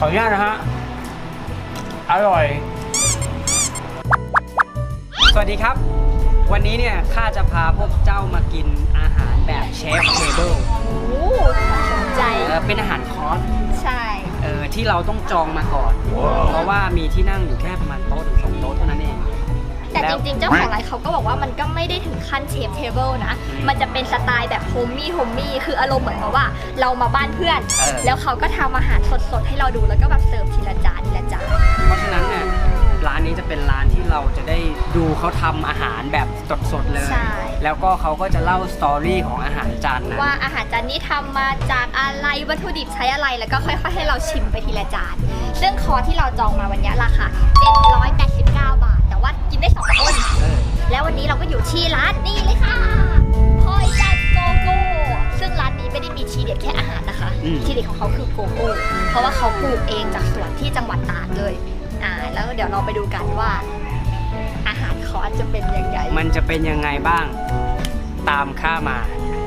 ออนุญาตนะฮะอร่อยสวัสดีครับวันนี้เนี่ยข้าจะพาพวกเจ้ามากินอาหารแบบเชฟเทเบิลโอ้สนใจเป็นอาหารคอร์สใช่ที่เราต้องจองมาก่อน เพราะว่ามีที่นั่งอยู่แค่ประมาณโต๊ะถึง2 โต๊ะเท่านั้นเองแต่จริงๆเจ้าของร้านเขาก็บอกว่ามันก็ไม่ได้ถึงขั้นเชฟเทเบิลนะมันจะเป็นสไตล์แบบโฮมมี่คืออารมณ์เหมือนกับว่าเรามาบ้านเพื่อนแล้วเขาก็ทำอาหารสดๆให้เราดูแล้วก็แบบเสิร์ฟทีละจานเพราะฉะนั้นเนี่ยร้านนี้จะเป็นร้านที่เราจะได้ดูเขาทำอาหารแบบสดๆเลยแล้วก็เขาก็จะเล่าสตอรี่ของอาหารจานนั้นว่าอาหารจานนี้ทำมาจากอะไรวัตถุดิบใช้อะไรแล้วก็ค่อยๆให้เราชิมไปทีละจานซึ่งคอร์สที่เราจองมาวันนี้ราคา789 บาทแต่ว่ากินได้2 คนแล้ววันนี้เราก็อยู่ที่ร้านนี่เลยค่ะพอยจัดโกโก้ซึ่งร้านนี้ไม่ได้มีทีเด็ดแค่อาหารนะคะทีเด็ดของเขาคือโกโก้เพราะว่าเขาปลูกเองจากสวนที่จังหวัดตราดเลยแล้วเดี๋ยวเราไปดูกันว่าอาหารคอร์สจะเป็นยังไงมันจะเป็นยังไงบ้างตามข้ามา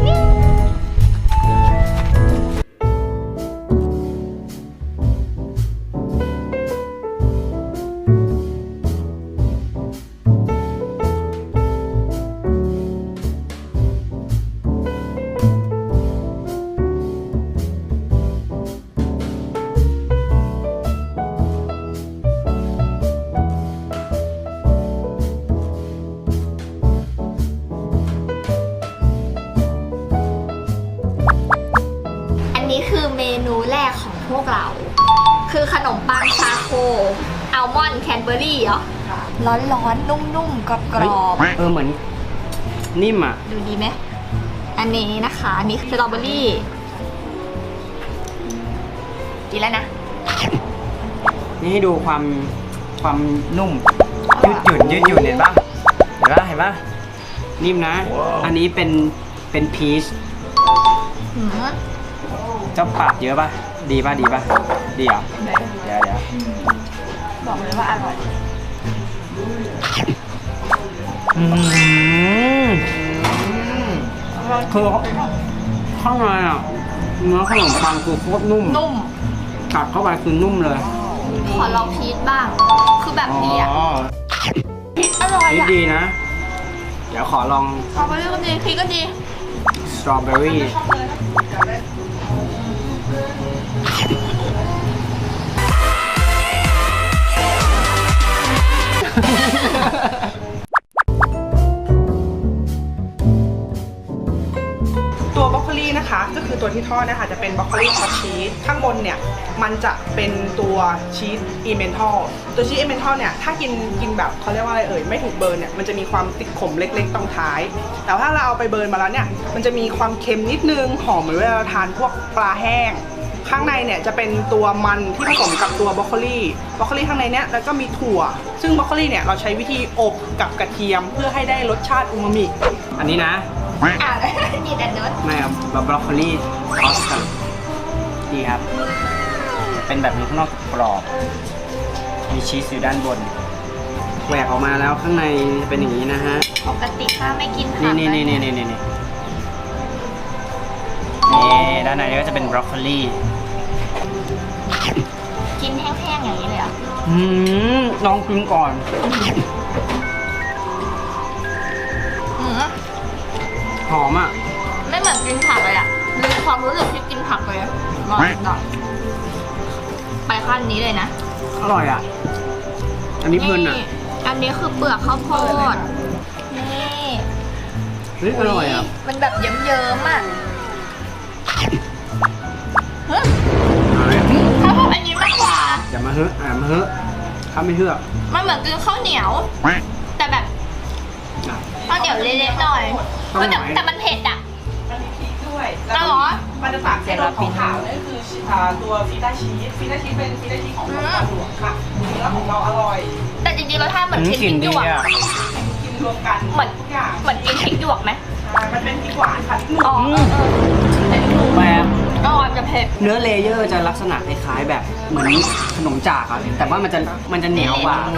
เมนูแรกของพวกเราคือขนมปังชาโคอัลมอนด์แคนเบอร์รี่เหรอร้อนๆนุ่มๆกรอบๆเหมือนนิ่มอ่ะดูดีไหมอันนี้นะคะอันนี้สตรอเบอร์รี่กินแล้วนะนี่ให้ดูความนุ่มยืดหยุ่นเห็นปะนิ่มนะอันนี้เป็นพีชเจ้าปากเยอะป่ะดีป่ะดีเหรอเดี๋ยวบอกเลยว่าอร่อยคือข้างในอ่ะเนื้อขนมปังคือโคตรนุ่มกัดเข้าไปคือนุ่มเลยขอลองพีชบ้างคือแบบนี้อ่ะพีชอร่อยอ่ะดีนะเดี๋ยวขอลองสตรอเบอร์รี่ก็ดีพีชก็ดีสตรอเบอร์รี่ตัวบรอกโคลีนะคะก็คือตัวที่ทอดนะคะจะเป็นบรอกโคลีซอสชีสข้างบนเนี่ยมันจะเป็นตัวชีสอีเมนทัลตัวชีสอีเมนทัลเนี่ยถ้ากินแบบเขาเรียกว่าอะไรไม่ถูกเบิร์นเนี่ยมันจะมีความติดขมเล็กๆตรงท้ายแต่ถ้าเราเอาไปเบิร์นมาแล้วเนี่ยมันจะมีความเค็มนิดนึงหอมเหมือนเวลาเราทานพวกปลาแห้งข้างในเนี่ยจะเป็นตัวมันที่ผสมกับตัวบรอกโคลีข้างในเนี้ยแล้วก็มีถั่วซึ่งบรอกโคลีเนี่ยเราใช้วิธีอบกับกระเทียมเพื่อให้ได้รสชาติอูมามิอันนี้นะนี่แต่เนื้อไม่ครับบรอกโคลีทอสกันดีครับเป็นแบบนี้ข้างนอกกรอบมีชีสอยู่ด้านบนแหวกออกมาแล้วข้างในเป็นอย่างนี้นะฮะปกติข้าไม่กินผักนี่ด้านในก็จะเป็นบรอกโคลีกินแห้งๆอย่างนี้เลยอ่ะลองกินก่อนหอมอ่ะไม่เหมือนกินผักเลยอ่ะมีความรู้สึกที่กินผักเลยลองไปขั้นนี้เลยนะอร่อยอ่ะอันนี้เพลินอ่ะอันนี้คือเปลือกข้าวโพดนี่อร่อยอ่ะมันแบบเยิ้มๆอ่ะข้าวโพดอันนี้มากกว่าอย่ามาเฮ้ข้าไม่เฮ้มันเหมือนกินข้าวเหนียวแต่แบบข้าวเหนียวเละๆหน่อยแต่มันเผ็ดอ่ะมันมีพริกด้วยแล้วมันจะต่างจากตัวขาวๆนั่นคือตัวฟีต้าชีสเป็นฟีต้าชีสของปลาหลวงค่ะเนื้อของเราอร่อยแต่จริงๆรสชาติเหมือนกินพริกหยวกกินรวมกันเหมือนกินพริกหยวกไหมมันเป็นพริกหวานค่ะพริกหนุ่มแบบจะเผ็ดเนื้อเลเยอร์จะลักษณะคล้ายๆแบบเหมือนขนมจากอะแต่ว่ามันจะเหนียวกว่า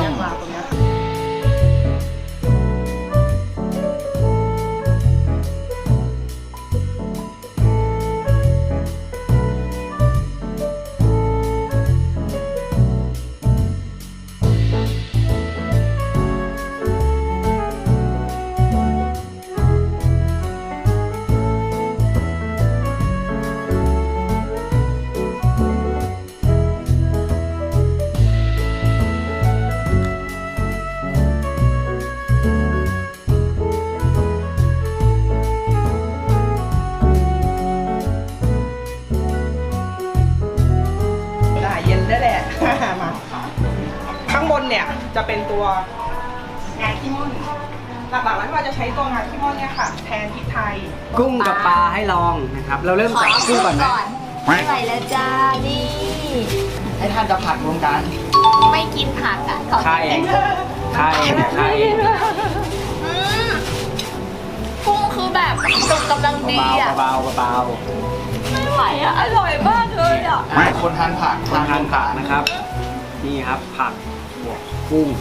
เนี่ยจะเป็นตัวงาขี้ม่อนหลักๆแล้วเราจะใช้ตัวงาขี้ม่อนเนี่ยค่ะแทนพริกไทยกุ้งกับปลาให้ลองนะครับ เราเริ่มจากกุ้งก่อนไหมไม่ไหวแล้วจ้า นี่ให้ท่านจะผัดรวมกันไม่กินผักอ่ะขอใช่กินใช่ใช่อืมกุ้งคือแบบสุกกำลังดีอ่ะเบาๆเบาไม่ไหวอ่ะ อร่อยมากเลยอ่ะคนทานผักๆทานผักนะครับ นี่ครับผักบวกกุ้ง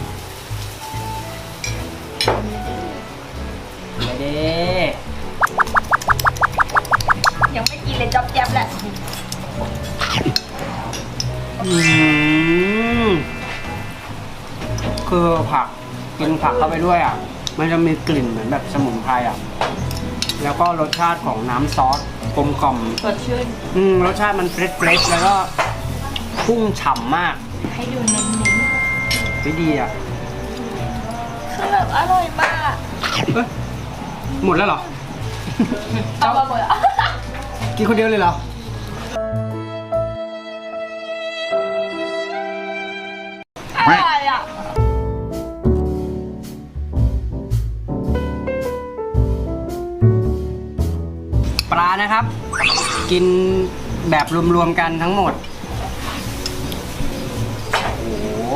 เด้ยังไม่กินเลยจ๊อบแจ๊บแหละคือผักกินผักเข้าไปด้วยอ่ะ มันจะมีกลิ่นเหมือนแบบสมุนไพรอ่ะ แล้วก็รสชาติของน้ำซอสกลมกล่อมสดชื่นรสชาติมันเฟรชๆแล้วก็กุ้งฉ่ำมากให้ดูเน้นไม่ดีอ่ะๆคือแบบอร่อยมากเอ้ยหมดแล้วเหรอเอามาหมดอ่ะกินคนเดียวเลยเหรออร่อยอ่ะปลานะครับ กินแบบรวมๆกันทั้งหมด โอ้โห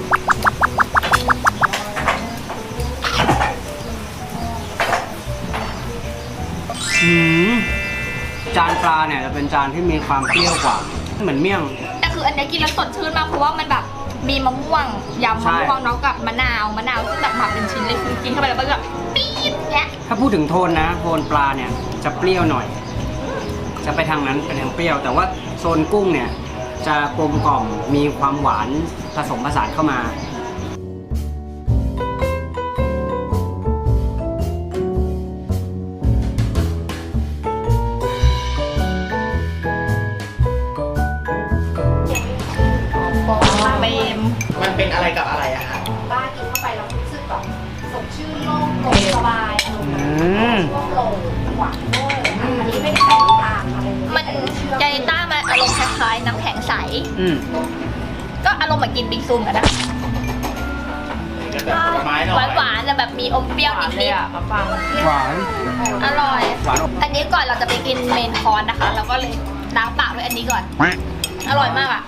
จานปลาเนี่ยจะเป็นจานที่มีความเปรี้ยวกว่า เหมือนเมี่ยงแต่คืออันเนี้ยกินแล้วสดชื่นมากเพราะว่ามันแบบมีมะม่วงยำใช่มะม่วงเนาะกับมะนาวซึ่งแบบหมักเป็นชิ้นเลยคือกินเข้าไปแล้วมันแบบปี๊ดเนี้ยถ้าพูดถึงโทนนะโทนปลาเนี่ยจะเปรี้ยวหน่อย จะไปทางนั้นเป็นทางเปรี้ยว แต่ว่าโซนกุ้งเนี่ยจะกลมกล่อมมีความหวานผสมผสานเข้ามาเบมมันเป็นอะไรกับอะไรอะคะบ้ากินเข้าไปแล้วรู้สึกแบบสดชื่นโล่งโปร่งสบายอารมณ์แบบช่วงโปร่งหวานด้วยอันนี้ไม่ได้ใส่น้ำตาลมันยานิต้ามันอารมณ์คล้ายๆน้ำแข็งใส ก็อารมณ์เหมือนกินบิงซูกันนะเป็นแบบผลไม้หน่อยหวานๆแต่แบบมีอมเปรี้ยวนิดหวานๆอร่อยหวานอบอันนี้ก่อนเราจะไปกินเมนคอร์สนะคะ เราก็เลยล้างปากด้วยอันนี้ก่อน อร่อยมากอ่ะ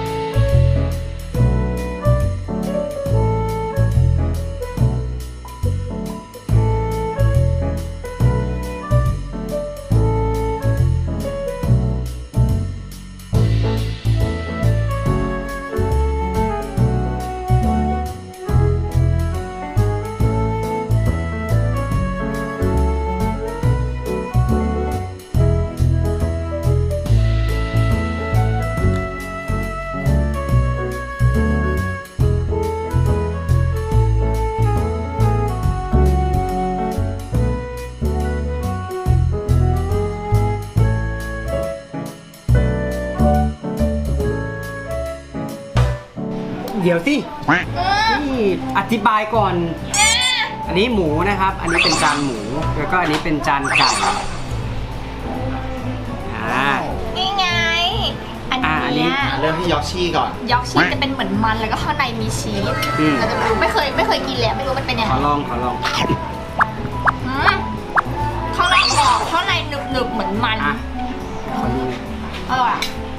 เดี๋ยวสินี่อธิบายก่อน อันนี้หมูนะครับ อันนี้เป็นจานหมู แล้วก็อันนี้เป็นจานไก่นี่ไง อันอันนี้เนี้ยเริ่มที่ยอกชี่ก่อนยอกชีสจะเป็นเหมือนมันแล้วก็ข้างในมีชีส เราจะไม่เคยกินเลยไม่รู้มันเป็นยังขไงอลองอืมข้างในกรอบข้างในหนึบๆเหมือนมันอ่ะ ขอดูอร่อยอะ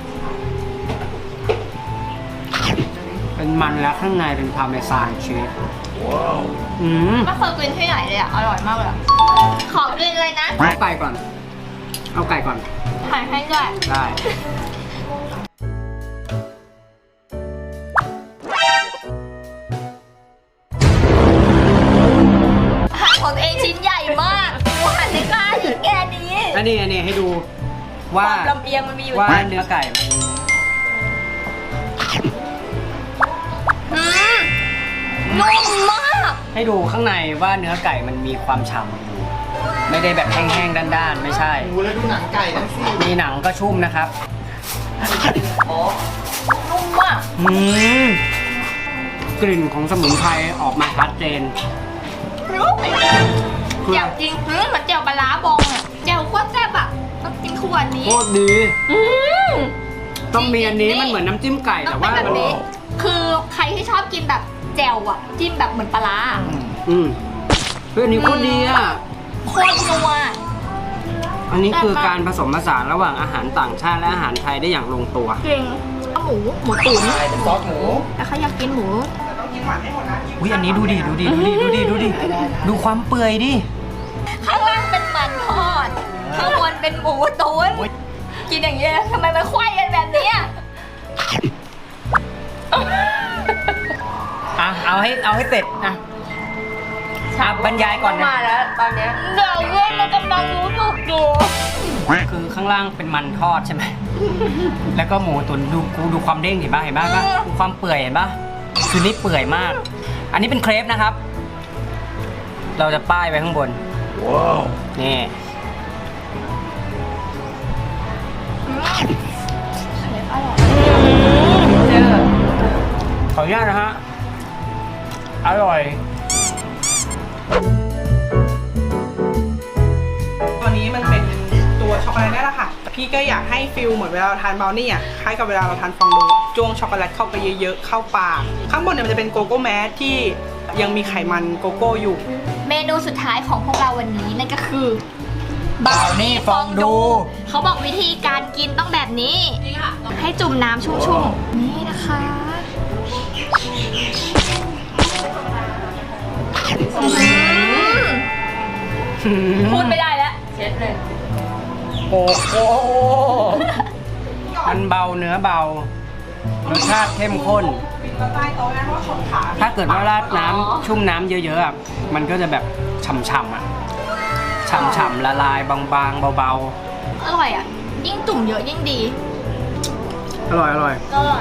เป็นมันแล้วข้างในเป็นพาร์เมซานชีสอืมไม่เคยกินที่ไหนเลยอ่ะ อร่อยมากเลยอะขอกินเลยนะเอาไก่ก่อน เอาไก่ก่อนถ่ายให้ด้วยได้หั่นของตัวเองชิ้นใหญ่มากหั่นได้กล้าอีกแค่นี้อันนี้ให้ดูคว่าวามลำเอียงมันมีอยู่ว่าเนื้อไก่มันอืมนุ่มมากให้ดูข้างในว่าเนื้อไก่มันมีความฉ่ำอยู่ ไม่ได้แบบแห้งๆด้านๆ ไม่ใช่ดูแล้วดูหนังไก่นั่นสิมีหนังก็ชุ่มนะครับนุ่มมากกลิ่นของสมุนไพรออกมาชัดเจนเจียวจริงเหมือนเจียวปลาร้าบองอ่ะเจียวโคตรแซ่บอ่ะต้องกินขวดนี้โคตรดีอืมต้องมีอันนี้มันเหมือนน้ำจิ้มไก่แต่ต้องว่าเป็นแบบมันนี้คือใครที่ชอบกินแบบแจ่วอะจิ้มแบบเหมือนปลาร้าเฮ้ยอันนี้โคตรดีอ่ะโคตรนัวอันนี้คือการผสมผสานระหว่างอาหารต่างชาติและอาหารไทยได้อย่างลงตัวจริงหมูตุ๋นใช่เป็นซอสหมูแล้วเขาอยากกินหมูแต่ต้องกินหวานให้หมดนะอุ้ยอันนี้ดูดิดูความเปื่อยดิข้างล่างเป็นมันทอด ข้างบนเป็นหมูตุ๋นกินอย่างเงี้ยทำไมมันไขว้กันแบบเนี้ยอ่ะเอาให้เสร็จอ่ะบรรยายก่อนนะมาแล้วตอนเนี้ยเดี๋ยวเว้ยมันกำลังรู้สึกอยู่คือข้างล่างเป็นมันทอดใช่ไหม แล้วก็หมูตุ๋นดูความเด้งเห็นป่ะดูความเปื่อยเห็นป่ะคือนี่เปื่อยมาก อันนี้เป็นเครปนะครับ เราจะป้ายไว้ข้างบนว้าวนี่ขออนุญาตนะฮะอร่อยตัวนี้มันเป็นตัวช็อกโกแลตนี่แหละค่ะ พี่ก็อยากให้ฟิลเหมือนเวลาเราทานบราวนี่อ่ะคล้ายกับเวลาเราทานฟองดูจ้วงช็อกโกแลตเข้าไปเยอะๆเข้าปากข้างบนเนี่ยมันจะเป็นโกโก้แมสที่ยังมีไขมันโกโก้อยู่เมนูสุดท้ายของพวกเราวันนี้นั่นก็คือบราวนี่ฟองดูเขาบอกวิธีการกินต้องแบบนี้ ให้จุ่มน้ำชุ่มๆ นี่นะคะพูดไม่ได้แล้วเช็ดเลยโอ้โหมันเบาเนื้อเบารสชาติเข้มข้นใต้โต๊ะนะเพราะว่าชนขาถ้าเกิดว่าราดน้ำชุ่มน้ำเยอะๆอะมันก็จะแบบฉ่ำๆอ่ะฉ่ำๆละลายบางๆเบาอร่อยอ่ะ ยิ่งจุ่มเยอะยิ่งดีๆอร่อยอร่อย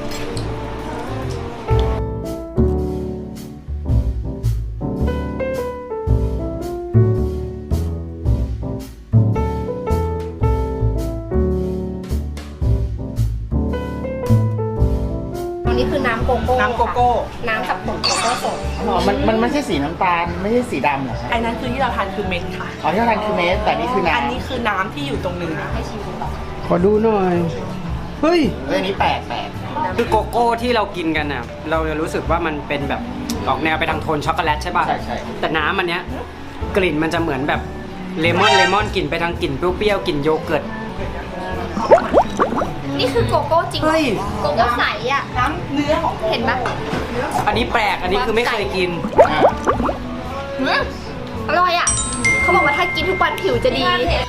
ตรงนี้คือน้ำโกโก้น้ำโกโก้น้ำกับผงโกโก้สดอ๋อมันไม่ใช่สีน้ำตาลไม่ใช่สีดำเหรอครับอันนั้นคือที่เราทานคือเม็ดค่ะอ๋อที่เราทานคือเมสแต่นี่คือน้ำอันนี้คือน้ำที่อยู่ตรงเนื้อขอดูหน่อย เฮ้ยอันนี้แปลกคือโกโก้ที่เรากินกันอ่ะ เราจะรู้สึกว่ามันเป็นแบบออกแนวไปทางโทนช็อกโกแลตใช่ป่ะใช่แต่น้ำอันเนี้ยกลิ่นมันจะเหมือนแบบเลมอนกลิ่นไปทางกลิ่นเปรี้ยวๆกลิ่นโยเกิร์ตนี่คือโกโก้จริงเหรอเฮ้ยโกโก้ใสอ่ะน้ำเนื้อของโกโก้เห็นปะอันนี้แปลก อันนี้คือไม่เคยกินอ่าอร่อยอ่ะ เขาบอกว่าถ้ากินทุกวันผิวจะดี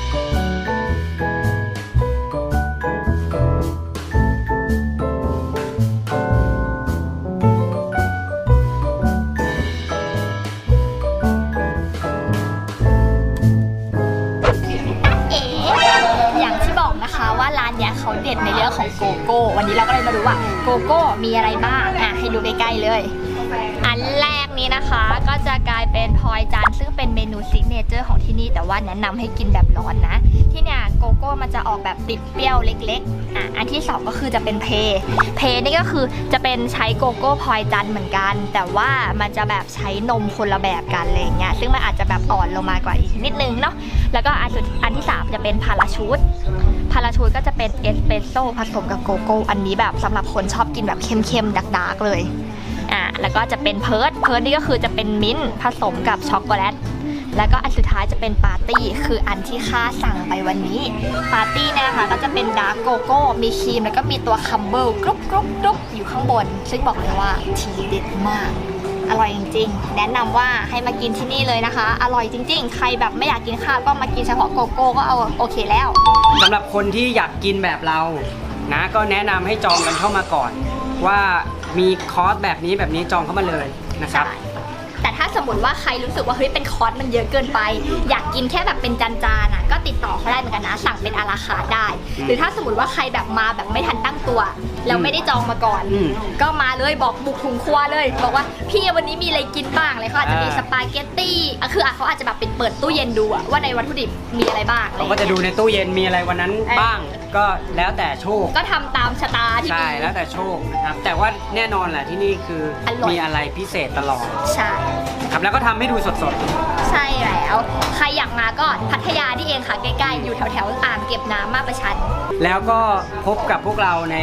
เอ๋อย่างที่บอกนะคะว่าร้านเนี้ยเขาเด็ดในเรื่องของโกโก้ วันนี้เราก็เลยมาดูว่าโกโก้มีอะไรบ้างอ่ะให้ดูใกล้ๆเลย อันแรกนี้นะคะก็จะกลายเป็นพลอยจันทร์ซึ่งเป็นเมนูซิกเนเจอร์ของที่นี่แต่ว่าแนะนำให้กินแบบร้อนนะ ที่เนี่ยโกโก้มันจะออกแบบติดเปรี้ยวเล็กๆอันที่สองก็คือจะเป็นเพนี่ก็คือจะเป็นใช้โกโก้พลอยจันทร์เหมือนกัน แต่ว่ามันจะแบบใช้นมคนละแบบกันอะไรเงี้ยซึ่งมันอาจจะแบบอ่อนลงมากว่าอีกนิดนึงเนาะแล้วก็อันที่สามจะเป็นพาราชูตก็จะเป็นเอสเปรสโซ่ผสมกับโกโก้อันนี้แบบสำหรับคนชอบกินแบบเข้มๆดาร์กๆเลยแล้วก็จะเป็นเพิร์ดนี่ก็คือจะเป็นมิ้นท์ผสมกับช็อกโกแลตแล้วก็อันสุดท้ายจะเป็นปาร์ตี้คืออันที่ข้าสั่งไปวันนี้ปาร์ตี้เนี่ยนะคะก็จะเป็นดาร์กโกโก้มีครีมแล้วก็มีตัวคัมเบิลกรุบอยู่ข้างบนซึ่งบอกเลยว่าทีเด็ดมากอร่อยจริงๆแนะนำว่าให้มากินที่นี่เลยนะคะอร่อยจริงๆใครแบบไม่อยากกินข้าวก็มากินเฉพาะโกโก้ก็เอาโอเคแล้วสำหรับคนที่อยากกินแบบเรานะก็แนะนำให้จองกันเข้ามาก่อน ว่ามีคอร์สแบบนี้จองเข้ามาเลยนะครับแต่ถ้าสมมติว่าใครรู้สึกว่าเฮ้ยเป็นคอร์สมันเยอะเกินไป อยากกินแค่แบบเป็นจานๆก็ติดต่อเขาได้เหมือนกันนะสั่งเป็นอาราคาร์ทได้ หรือถ้าสมมติว่าใครแบบมาแบบไม่ทันตั้งตัวแล้วไม่ได้จองมาก่อน ก็มาเลยบอกบุกถุงครัวเลยบอกว่าพี่วันนี้มีอะไรกินบ้างเลยเขาอาจจะมีสปาเกตตี้คือเขาอาจจะแบบเป็นเปิดตู้เย็นดูว่าในวัตถุดิบมีอะไรบ้างเขาก็จะดูในตู้เย็นมีอะไรวันนั้นบ้าง ก็แล้วแต่โชคก็ทำตามชะตาที่ใช่มีแล้วแต่โชคนะครับแต่ว่าแน่นอนแหละที่นี่คืออร่อยมีอะไรพิเศษตลอดใช่ครับแล้วก็ทำให้ดูสดใช่แล้วใครอยากมาก็พัทยานี่เองค่ะใกล้ๆอยู่แถวๆอ่างเก็บน้ำมาประชันๆแล้วก็พบกับพวกเราใน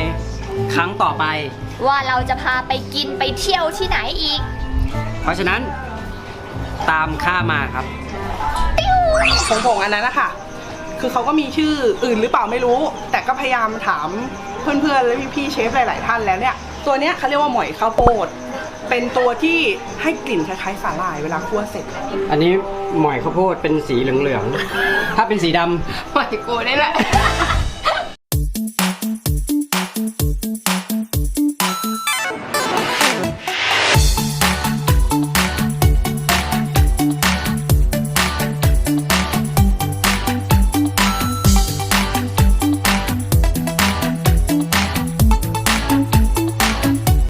ครั้งต่อไปว่าเราจะพาไปกินไปเที่ยวที่ไหนอีกเพราะฉะนั้นตามข้ามาครับผงอันนั้นนะคะคือเขาก็มีชื่ออื่นหรือเปล่าไม่รู้ แต่ก็พยายามถามเพื่อนๆและพี่ๆเชฟหลายๆท่านแล้วเนี่ยตัวเนี้ยเขาเรียกว่าหมอยข้าวโพดเป็นตัวที่ให้กลิ่นคล้ายๆสาหร่ายเวลาคั่วเสร็จอันนี้หมอยข้าวโพดเป็นสีเหลืองๆ ถ้าเป็นสีดำหมอยกูนี่แหละ